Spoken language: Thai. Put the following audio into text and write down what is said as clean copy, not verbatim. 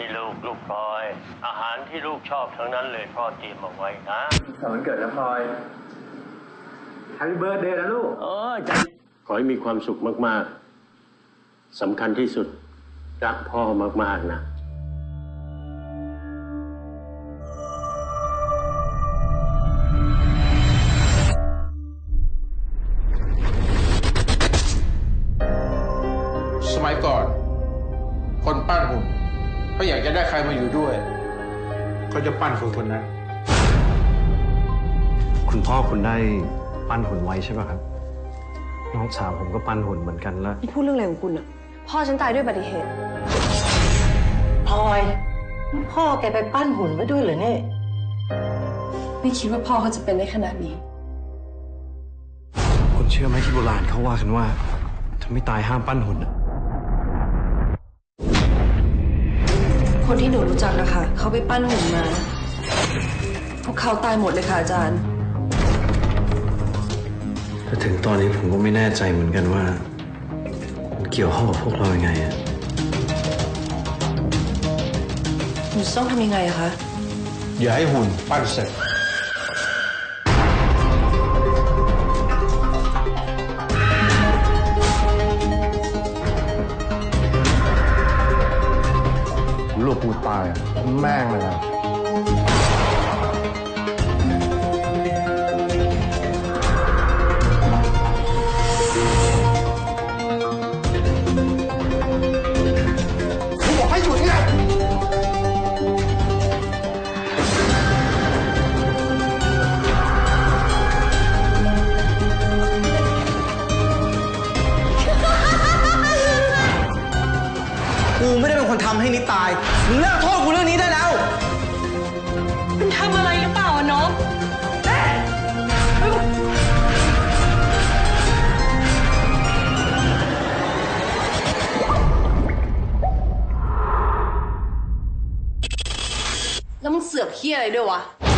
นี่ลูกพลอยอาหารที่ลูกชอบทั้งนั้นเลยพ่อเตรียมเอาไว้นะวันเกิดนะพลอยแฮปปี้เบิร์ธเดย์นะลูกขอให้มีความสุขมากๆสำคัญที่สุดรักพ่อมากๆนะสมัยก่อนคนปั้นหุ่นเขาอยากจะได้ใครมาอยู่ด้วยเขาจะปั้นคนนั้นคุณพ่อคุณได้ปั้นหุ่นไว้ใช่ป่ะครับน้องสาวผมก็ปั้นหุ่นเหมือนกันแล้วพูดเรื่องอะไรของคุณอะพ่อฉันตายด้วยอุบัติเหตุพลอยพ่อแกไปปั้นหุ่นไว้ด้วยเหรอเนี่ยไม่คิดว่าพ่อเขาจะเป็นได้ขนาดนี้คุณเชื่อไหมที่โบราณเขาว่ากันว่าถ้าไม่ตายห้ามปั้นหุ่นคนที่หนูรู้จักอะค่ะเขาไปปั้นหุ่นมาพวกเขาตายหมดเลยค่ะอาจารย์แต่ถึงตอนนี้ผมก็ไม่แน่ใจเหมือนกันว่ามันเกี่ยวข้องกับพวกเรายังไงอะหนูต้องทำยังไงอะคะอย่าให้หุ่นปั้นเสร็จลูกกูตายแม่งเลยนะกูบอกให้หยุดเนี่ยกูไม่ได้เป็นคนทำให้นิดตายมึงเลิกโทษกูเรื่องนี้ได้แล้วคุณทำอะไรหรือเปล่าน้องแล้วมึงเสือกเหี้ยอะไรด้วยวะ